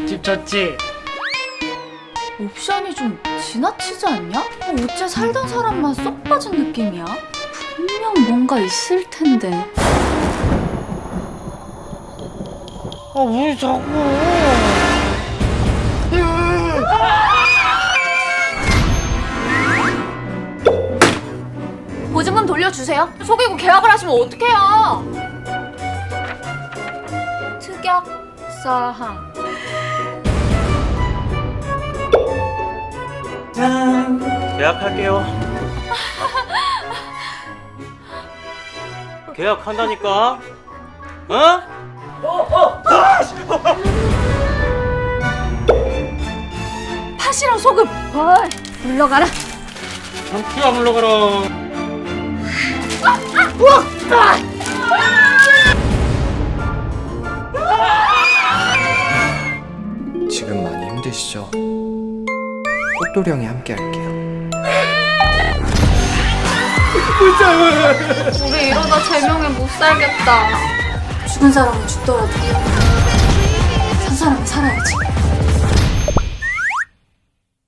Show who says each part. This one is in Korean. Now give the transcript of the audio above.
Speaker 1: 집 좋지?
Speaker 2: 옵션이 좀 지나치지 않냐? 어째 살던 사람만 쏙 빠진 느낌이야? 분명 뭔가 있을 텐데.
Speaker 1: 아 왜 자꾸?
Speaker 2: 보증금 돌려주세요. 속이고 계약을 하시면 어떡해요? 특약 사항.
Speaker 1: 짠. 계약할게요. 계약한다니까. 어?
Speaker 2: 팥이랑 소금. 물러가라.
Speaker 1: 피가 물러가라.
Speaker 3: 지금 많이 힘드시죠? 꽃도령이 함께 할게요.
Speaker 2: 우리 이러다 제명에 못 살겠다. 죽은 사람은 죽더라도 산 사람은 살아야지.